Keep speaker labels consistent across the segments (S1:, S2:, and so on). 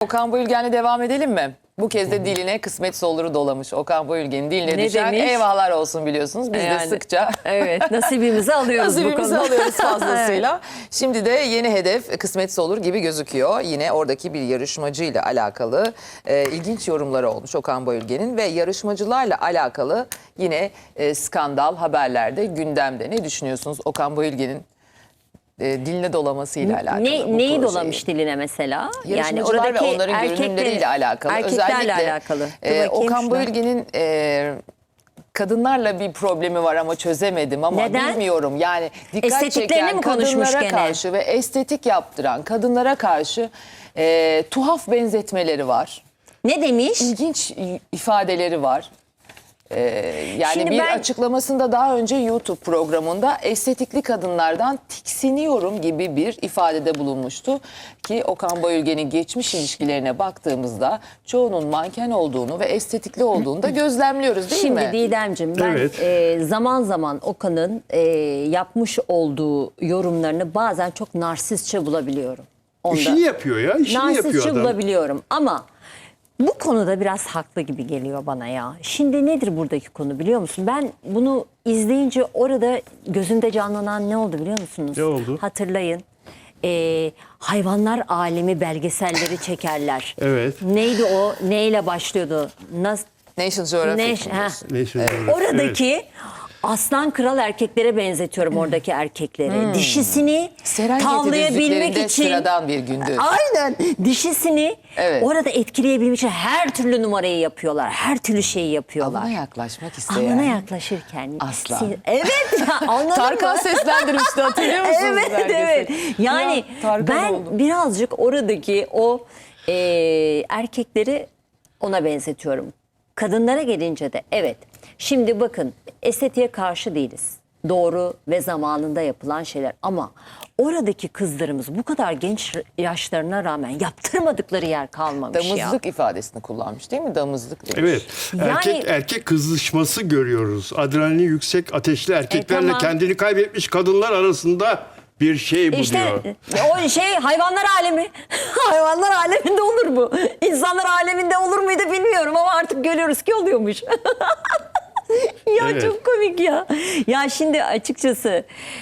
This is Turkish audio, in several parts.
S1: Okan Bayülgen'le devam edelim mi? Bu kez de diline kısmetse oluru dolamış. Okan Bayülgen'in diline
S2: Ne
S1: düşen
S2: demiş?
S1: eyvahlar olsun biliyorsunuz. Biz de sıkça
S2: Evet, nasibimizi alıyoruz bu
S1: nasibimizi
S2: konuda.
S1: alıyoruz fazlasıyla. Şimdi de yeni hedef kısmetse olur gibi gözüküyor. Yine oradaki bir yarışmacıyla alakalı ilginç yorumları olmuş Okan Bayülgen'in ve yarışmacılarla alakalı yine skandal haberlerde gündemde. Ne düşünüyorsunuz Okan Bayülgen'in diline dolamasıyla alakalı?
S2: Neyi dolamış diline mesela?
S1: Yani oradaki ve onların görünümleriyle alakalı.
S2: Erkeklerle
S1: Özellikle,
S2: alakalı.
S1: Okan Bayülgen'in kadınlarla bir problemi var ama çözemedim ama
S2: neden?
S1: Bilmiyorum. Yani dikkat
S2: Estetiklerini
S1: çeken
S2: mi konuşmuş
S1: kadınlara
S2: gene?
S1: karşı ve estetik yaptıran kadınlara karşı tuhaf benzetmeleri var.
S2: Ne demiş?
S1: İlginç ifadeleri var. Yani
S2: Şimdi
S1: bir
S2: ben
S1: açıklamasında daha önce YouTube programında estetikli kadınlardan tiksiniyorum gibi bir ifadede bulunmuştu. Ki Okan Bayülgen'in geçmiş ilişkilerine baktığımızda çoğunun manken olduğunu ve estetikli olduğunu da gözlemliyoruz değil mi?
S2: Şimdi Didemciğim ben zaman zaman Okan'ın yapmış olduğu yorumlarını bazen çok narsistçe bulabiliyorum.
S3: İşini yapıyor ya, işini yapıyor
S2: narsistçe
S3: adam.
S2: bulabiliyorum ama bu konuda biraz haklı gibi geliyor bana ya. Şimdi nedir buradaki konu biliyor musun? Ben bunu izleyince orada gözümde canlanan ne oldu biliyor musunuz?
S3: Ne oldu?
S2: Hatırlayın. Hayvanlar alemi belgeselleri çekerler.
S3: Evet.
S2: Neydi o? Neyle başlıyordu?
S1: National Geographic.
S2: Oradaki aslan kral erkeklere benzetiyorum oradaki erkekleri. Dişisini
S1: Serengeti
S2: tavlayabilmek
S1: düzlüklerinde
S2: için.
S1: sıradan bir gündü.
S2: Aynen. Dişisini orada etkileyebilmek için her türlü numarayı yapıyorlar. Her türlü şeyi yapıyorlar.
S1: Alına yaklaşmak isteyen.
S2: Alına yaklaşırken.
S1: Aslan.
S2: Evet. Anladın
S1: Tarkan
S2: mı?
S1: seslendirmişti hatırlıyor musunuz?
S2: Evet
S1: belgeseli?
S2: evet. Yani
S1: Ya, Tarkan
S2: ben
S1: oldu.
S2: birazcık oradaki o erkekleri ona benzetiyorum. Kadınlara gelince de evet. Şimdi bakın estetiğe karşı değiliz. Doğru ve zamanında yapılan şeyler ama oradaki kızlarımız bu kadar genç yaşlarına rağmen yaptırmadıkları yer kalmamış
S1: Damızlık ifadesini kullanmış değil mi? Damızlık demiş.
S3: Evet.
S2: Yani-
S3: Erkek kızışması görüyoruz. Adrenalin yüksek, ateşli erkeklerle
S2: tamam.
S3: kendini kaybetmiş kadınlar arasında bir şey bu
S2: İşte
S3: diyor.
S2: o şey hayvanlar alemi. Hayvanlar aleminde olur bu. İnsanlar aleminde olur muydu bilmiyorum ama artık görüyoruz ki oluyormuş. Ya
S3: Evet.
S2: çok komik ya. Ya şimdi açıkçası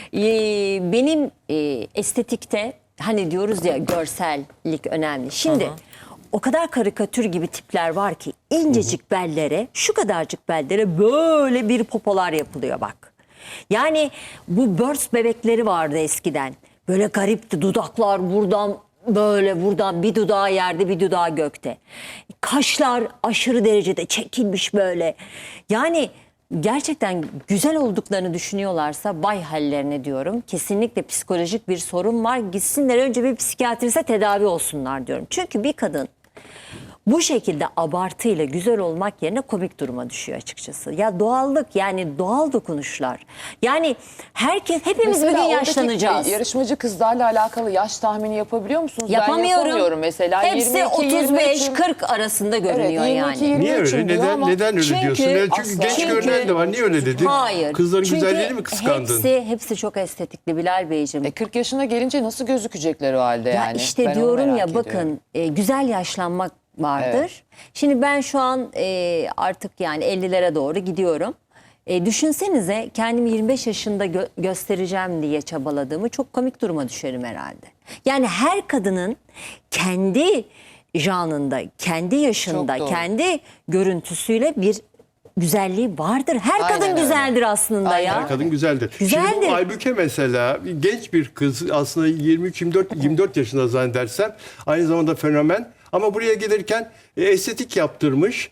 S2: benim estetikte hani diyoruz ya görsellik önemli. Şimdi o kadar karikatür gibi tipler var ki incecik bellere şu kadarcık bellere böyle bir popolar yapılıyor bak. Yani bu Burst bebekleri vardı eskiden. Böyle garipti dudaklar buradan böyle buradan bir dudağı yerde bir dudağı gökte. Kaşlar aşırı derecede çekilmiş böyle. Yani gerçekten güzel olduklarını düşünüyorlarsa vay hallerine diyorum. Kesinlikle psikolojik bir sorun var. Gitsinler önce bir psikiyatriste tedavi olsunlar diyorum. Çünkü bir kadın bu şekilde abartıyla güzel olmak yerine komik duruma düşüyor açıkçası. Ya doğallık yani doğal dokunuşlar. Yani herkes hepimiz bir gün
S1: Mesela
S2: yaşlanacağız.
S1: oradaki yarışmacı kızlarla alakalı yaş tahmini yapabiliyor musunuz?
S2: Yapamıyorum.
S1: Ben yapamıyorum mesela.
S2: Hepsi
S1: 22-23'üm.
S2: 35-40 arasında görünüyor
S1: Evet,
S2: yani.
S1: 22-23'üm
S3: Niye öyle?
S1: diyor ama
S3: Neden öyle
S2: çünkü
S3: diyorsun? Yani çünkü
S1: asla.
S3: genç görünen de var. Niye öyle dedin?
S2: Hayır.
S3: Kızların
S2: Çünkü
S3: güzelliğini mi kıskandın?
S2: hepsi çok estetikli Bilal Beyciğim.
S1: 40 yaşına gelince nasıl gözükecekler o halde
S2: Ya
S1: yani?
S2: işte
S1: Ben onu
S2: diyorum
S1: merak
S2: ya
S1: ediyorum.
S2: bakın güzel yaşlanmak vardır.
S1: Evet.
S2: Şimdi ben şu an artık yani 50'lere doğru gidiyorum. Düşünsenize kendimi 25 yaşında göstereceğim diye çabaladığımı çok komik duruma düşerim herhalde. Yani her kadının kendi janında, kendi yaşında,
S1: Çok doğru.
S2: kendi görüntüsüyle bir güzelliği vardır. Her
S1: Aynen
S2: kadın
S1: öyle.
S2: güzeldir aslında
S1: Aynen.
S2: ya.
S3: Her kadın güzeldir.
S2: Güzeldir.
S3: Şimdi bu Aybüke mesela genç bir kız aslında 23-24 yaşında zannedersem aynı zamanda fenomen ama buraya gelirken estetik yaptırmış.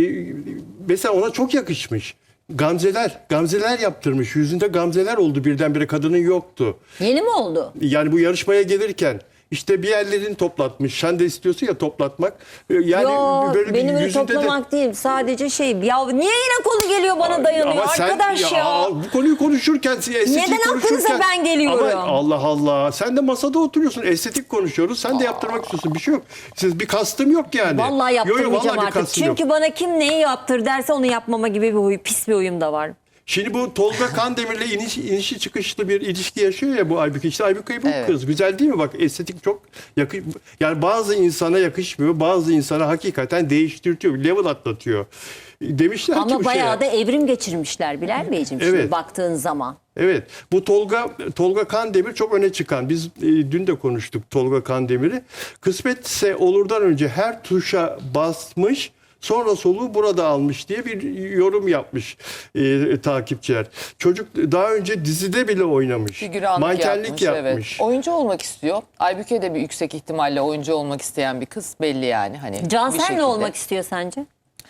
S3: Mesela ona çok yakışmış. Gamzeler yaptırmış. Yüzünde gamzeler oldu birdenbire kadının yoktu.
S2: Yeni mi oldu?
S3: Yani bu yarışmaya gelirken işte bir yerlerini toplatmış. Sen de istiyorsun ya toplatmak. Yani
S2: Yo,
S3: böyle
S2: benim
S3: bir
S2: öyle
S3: yüzünde
S2: toplamak değil. Sadece ya niye yine konu geliyor bana dayanıyor
S3: Ama sen-
S2: arkadaş ya.
S3: Bu konuyu konuşurken, estetik
S2: Neden aklınıza
S3: konuşurken.
S2: ben geliyorum?
S3: Ama Allah Allah. Sen de masada oturuyorsun. Estetik konuşuyoruz. Sen de yaptırmak istiyorsun. Bir şey yok. Siz bir kastım yok yani.
S2: Vallahi yaptırmayacağım
S3: vallahi bir
S2: artık.
S3: kastım yok.
S2: Çünkü bana kim neyi yaptır derse onu yapmama gibi bir pis bir huyum da var.
S3: Şimdi bu Tolga Kandemir'le inişi çıkışlı bir ilişki yaşıyor ya bu Aybüke. İşte Aybüke bu
S1: Evet.
S3: kız. Güzel değil mi? Bak estetik çok yani bazı insana yakışmıyor. Bazı insana hakikaten değiştirtiyor. Level atlatıyor. Demişler ki
S2: Ama
S3: bu
S2: bayağı
S3: şeye.
S2: da evrim geçirmişler Bilal Beyciğim
S3: Evet.
S2: şimdi baktığın zaman.
S3: Evet. Bu Tolga Kandemir çok öne çıkan. Biz dün de konuştuk Tolga Kandemir'i. Kısmetse olurdan önce her tuşa basmış. Sonra soluğu burada almış diye bir yorum yapmış takipçiler. Çocuk daha önce dizide bile oynamış.
S1: Figüranlık
S3: Mankenlik yapmış.
S1: Evet. Oyuncu olmak istiyor. Aybüke de bir yüksek ihtimalle oyuncu olmak isteyen bir kız belli yani. Hani bir
S2: Cansel
S1: şekilde.
S2: ne olmak istiyor sence?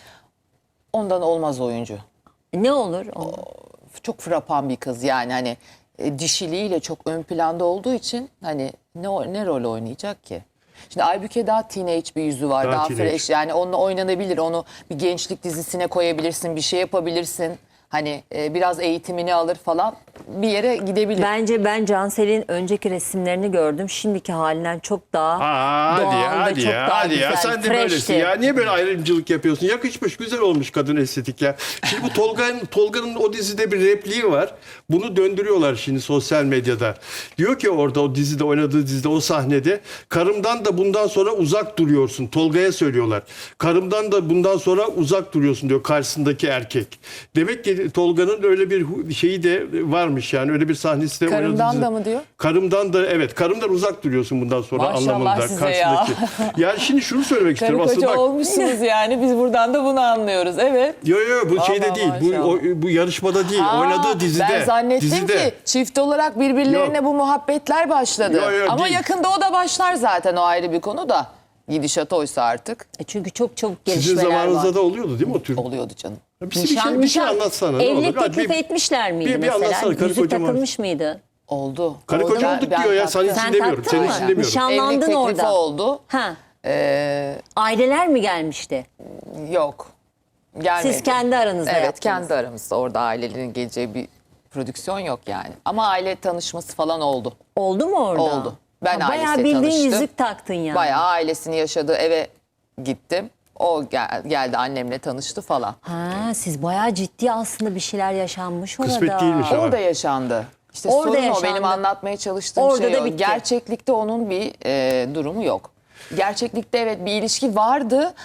S1: Ondan olmaz oyuncu.
S2: Ne olur?
S1: Çok frapan bir kız yani hani dişiliğiyle çok ön planda olduğu için hani ne rol oynayacak ki? Şimdi Aybüke daha teenage bir yüzü var.
S3: Daha
S1: Daha
S3: teenage.
S1: fresh yani onunla oynanabilir. Onu bir gençlik dizisine koyabilirsin. Bir şey yapabilirsin. Hani biraz eğitimini alır falan bir yere gidebilir.
S2: Bence ben Cansel'in önceki resimlerini gördüm. Şimdiki halinden çok daha
S3: Hadi
S2: doğal
S3: ya,
S2: ve
S3: hadi
S2: çok
S3: ya,
S2: daha
S3: hadi
S2: güzel.
S3: ya. Sen de
S2: freshti.
S3: böylesin ya. Niye böyle ayrımcılık yapıyorsun? Yakışmış, güzel olmuş kadın estetik ya. Şimdi bu Tolga'nın o dizide bir repliği var. Bunu döndürüyorlar şimdi sosyal medyada. Diyor ki orada o dizide oynadığı dizide o sahnede karımdan da bundan sonra uzak duruyorsun. Tolga'ya söylüyorlar. Karımdan da bundan sonra uzak duruyorsun diyor karşısındaki erkek. Demek ki Tolga'nın öyle bir şeyi de varmış yani öyle bir sahnesi de oynadığı
S1: Karımdan
S3: dizide.
S1: da mı diyor?
S3: Karımdan da evet karımdan uzak duruyorsun bundan sonra
S1: Maşallah
S3: anlamında
S1: size ya.
S3: karşısındaki. Yani şimdi şunu söylemek
S1: Karı
S3: istiyorum aslında
S1: koca
S3: bak.
S1: olmuşsunuz yani biz buradan da bunu anlıyoruz. Evet.
S3: Yo bu şeyde
S1: Vallahi
S3: değil.
S1: maşallah.
S3: Bu yarışmada değil.
S1: Aa,
S3: Oynadığı dizide.
S1: Ben zannettim
S3: dizide.
S1: ki çift olarak birbirlerine
S3: Yok.
S1: bu muhabbetler başladı.
S3: Yok,
S1: Ama
S3: değil.
S1: yakında o da başlar zaten o ayrı bir konu da. Gidişat oysa artık
S2: Çünkü çok çabuk
S3: Sizin
S2: gelişmeler
S3: zamanınızda
S2: var.
S3: da oluyordu değil mi o tür?
S1: oluyordu canım.
S3: Bir şey anlatsana. ne olur.
S2: Evlilik
S3: Hadi
S2: teklif etmişler miydi
S3: bir
S2: mesela?
S3: anlatsana, karı
S2: Yüzük
S3: koca mı?
S2: takılmış mıydı?
S1: Oldu.
S3: Karı
S1: Oldu.
S3: koca olduk
S1: Ben
S3: diyor ya. Sen
S1: taktım.
S3: için
S2: Sen
S3: demiyorum.
S2: taktın
S3: Senin
S2: mı?
S3: için demiyorum.
S2: Nişan-
S1: Evlilik
S2: Anlandın
S1: teklifi
S2: orada.
S1: oldu.
S2: Ha.
S1: Ee,
S2: Aileler mi gelmişti?
S1: yok. Gelmedi.
S2: Siz kendi aranızda
S1: Evet
S2: yaptınız.
S1: kendi aramızda. Orada ailelerin geleceği bir prodüksiyon yok yani. Ama aile tanışması falan oldu.
S2: Oldu mu orada?
S1: Oldu. Ben
S2: Bayağı
S1: ailesiyle
S2: bildiğin
S1: tanıştım.
S2: yüzük taktın yani.
S1: Bayağı ailesini yaşadığı eve gittim. O geldi annemle tanıştı falan.
S2: Ha, siz bayağı ciddi aslında bir şeyler yaşanmış orada.
S3: Kısmet değilmiş ama.
S1: Orada yaşandı. İşte
S2: Orada
S1: sorun o
S2: yaşandı.
S1: benim anlatmaya çalıştığım
S2: Orada
S1: şey
S2: da
S1: o.
S2: bitti.
S1: Gerçeklikte onun bir durumu yok. Gerçeklikte evet bir ilişki vardı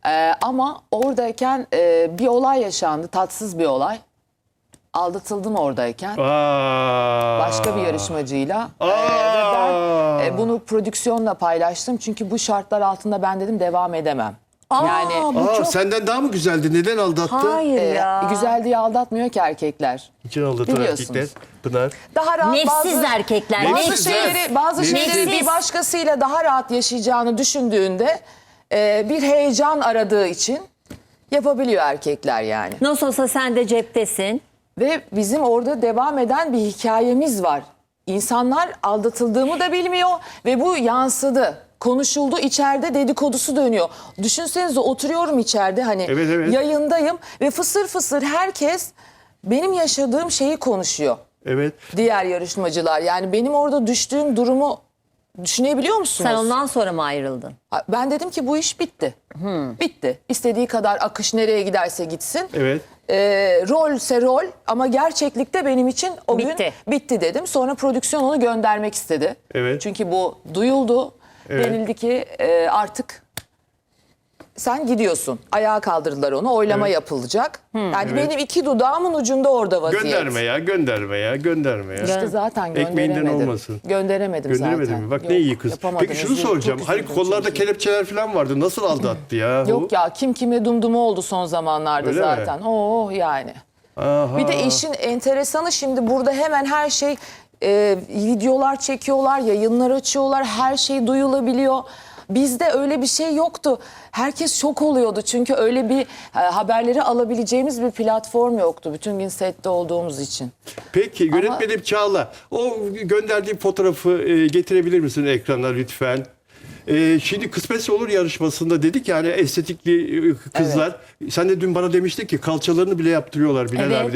S1: ama oradayken bir olay yaşandı. Tatsız bir olay. Aldatıldım oradayken. Başka bir yarışmacıyla. Ve ben bunu prodüksiyonla paylaştım. Çünkü bu şartlar altında ben dedim devam edemem. Yani
S2: bu çok...
S3: Senden daha mı güzeldi? Neden aldattı?
S2: Hayır ya.
S1: güzel diye aldatmıyor ki erkekler.
S3: İçin aldatan
S1: Biliyorsunuz.
S3: erkekler. Pınar.
S1: Daha rahat
S2: Nefsiz erkekler.
S3: Nefsiz.
S1: bazı
S3: Nefsiz.
S1: şeyleri bir başkasıyla daha rahat yaşayacağını düşündüğünde bir heyecan aradığı için yapabiliyor erkekler yani.
S2: Nasıl olsa sen de ceptesin.
S1: Ve bizim orada devam eden bir hikayemiz var. İnsanlar aldatıldığımı da bilmiyor ve bu yansıdı. Konuşuldu, içeride dedikodusu dönüyor. Düşünsenize oturuyorum içeride hani
S3: Evet.
S1: yayındayım ve fısır fısır herkes benim yaşadığım şeyi konuşuyor.
S3: Evet.
S1: Diğer yarışmacılar yani benim orada düştüğüm durumu düşünebiliyor musunuz?
S2: Sen ondan sonra mı ayrıldın?
S1: Ben dedim ki bu iş bitti. Bitti. İstediği kadar akış nereye giderse gitsin.
S3: Evet.
S1: Rolse rol ama gerçeklikte benim için o
S2: Bitti.
S1: gün bitti dedim. Sonra prodüksiyon onu göndermek istedi.
S3: Evet.
S1: Çünkü bu duyuldu.
S3: Evet.
S1: Denildi ki artık sen gidiyorsun. Ayağa kaldırdılar onu. Oylama yapılacak. Yani benim iki dudağımın ucunda orada vaziyet.
S3: Gönderme ya.
S1: İşte zaten
S3: Ekmeğinden
S1: gönderemedim.
S3: olmasın.
S1: Gönderemedim
S3: Gönderemedin
S1: zaten.
S3: mi? Bak
S1: Yok,
S3: ne iyi kız.
S1: yapamadım.
S3: Peki şunu
S1: Üzüldüm,
S3: soracağım.
S1: çok
S3: Hani
S1: üzüldüm
S3: kollarda
S1: çünkü.
S3: kelepçeler falan vardı. Nasıl aldattı ya?
S1: Yok ya kim kime dumdumu oldu son zamanlarda
S3: Öyle mi?
S1: zaten. Oh yani.
S3: Aha.
S1: Bir de işin enteresanı şimdi burada hemen her şey videolar çekiyorlar, yayınlar açıyorlar, her şey duyulabiliyor. Bizde öyle bir şey yoktu. Herkes şok oluyordu çünkü öyle bir haberleri alabileceğimiz bir platform yoktu. Bütün gün sette olduğumuz için.
S3: Peki yönetmenim Çağla. O gönderdiğim fotoğrafı getirebilir misin ekrana lütfen? Şimdi Kısmetse Olur yarışmasında dedik yani estetikli kızlar. Sen de dün bana demiştin ki kalçalarını bile yaptırıyorlar Bilal
S2: Evet.
S3: abi demiştin.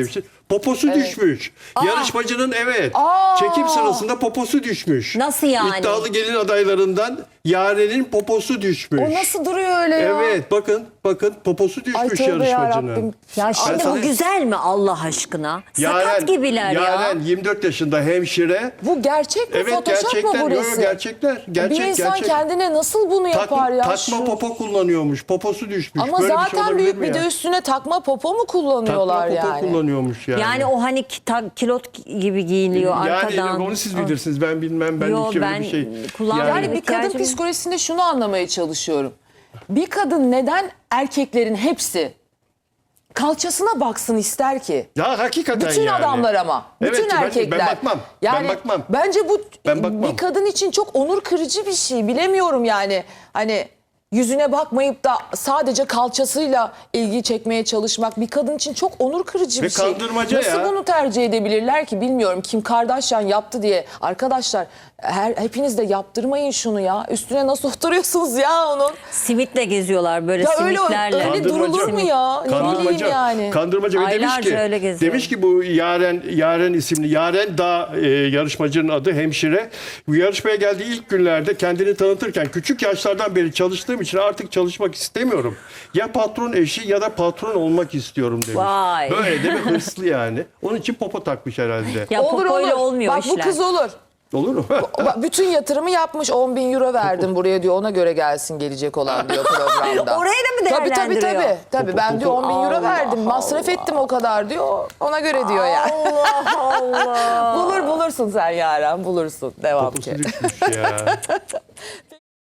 S3: Poposu düşmüş. Yarışmacının çekim sırasında poposu düşmüş.
S2: Nasıl yani?
S3: İddialı gelin adaylarından Yaren'in poposu düşmüş.
S1: O nasıl duruyor öyle ya?
S3: Evet bakın poposu düşmüş
S1: tövbe
S3: yarışmacının.
S1: yarabbim.
S2: Ya şimdi
S3: sana-
S2: o güzel mi Allah aşkına? Sakat gibiler ya.
S3: Yaren 24 yaşında hemşire.
S1: Bu gerçek mi?
S3: Evet
S1: Photoshop
S3: gerçekten.
S1: mu bu
S3: Yo,
S1: resim?
S3: gerçekler.
S1: Bir insan kendine nasıl bunu yapar ya?
S3: Takma popo kullanıyormuş. Poposu düşmüş.
S1: Ama
S3: Böyle bir şey
S1: zaten
S3: olabilir
S1: büyük
S3: mi
S1: bir
S3: ya?
S1: de üstüne takma popo mu kullanıyorlar
S3: Takma popo
S1: yani?
S3: kullanıyormuş yani.
S2: Yani o hani kilot gibi giyiliyor arkadan.
S3: Yani onu siz bilirsiniz. Ben bilmem. Ben
S2: Yo,
S3: hiç öyle
S2: ben
S3: bir şey.
S2: kullanmıyorum.
S1: Yani bir kadın
S2: İhtiyacım-
S1: psikolojisinde şunu anlamaya çalışıyorum. Bir kadın neden erkeklerin hepsi kalçasına baksın ister ki?
S3: Ya hakikaten
S1: Bütün
S3: yani.
S1: adamlar ama.
S3: Evet,
S1: Bütün erkekler.
S3: Ben bakmam.
S1: Yani
S3: ben bakmam.
S1: bence bu
S3: Ben bakmam.
S1: bir kadın için çok onur kırıcı bir şey. Bilemiyorum yani. Hani yüzüne bakmayıp da sadece kalçasıyla ilgi çekmeye çalışmak bir kadın için çok onur kırıcı
S3: Ve
S1: bir şey.
S3: kandırmaca
S1: Nasıl
S3: ya.
S1: bunu tercih edebilirler ki bilmiyorum. Kim Kardashian yaptı diye. Arkadaşlar hepiniz de yaptırmayın şunu ya. Üstüne nasıl oturuyorsunuz ya onun?
S2: Simitle geziyorlar böyle
S1: Ya öyle
S2: simitlerle.
S1: öyle durulur mu ya? Ne bileyim yani.
S3: Kandırmaca ve
S2: Aylarca öyle geziyor.
S3: demiş ki bu Yaren isimli Yaren Dağ yarışmacının adı hemşire. Bu yarışmaya geldiği ilk günlerde kendini tanıtırken küçük yaşlardan beri çalıştığım için artık çalışmak istemiyorum. Ya patron eşi ya da patron olmak istiyorum demiş.
S2: Vay.
S3: Böyle de bir hırslı yani. Onun için popo takmış herhalde.
S2: Ya popoyla olmuyor
S1: Bak
S2: işler.
S1: bu kız olur.
S3: Olur mu?
S1: Bak, bütün yatırımı yapmış 10.000 euro verdim buraya diyor ona göre gelsin gelecek olan diyor programda.
S2: Oraya da mı değerlendiriyor?
S1: Tabii ben diyor 10.000 euro verdim masraf ettim o kadar diyor ona göre diyor yani.
S2: Allah Allah.
S1: Bulursun sen Yaren bulursun devam ki.
S3: Poposu düşmüş ya.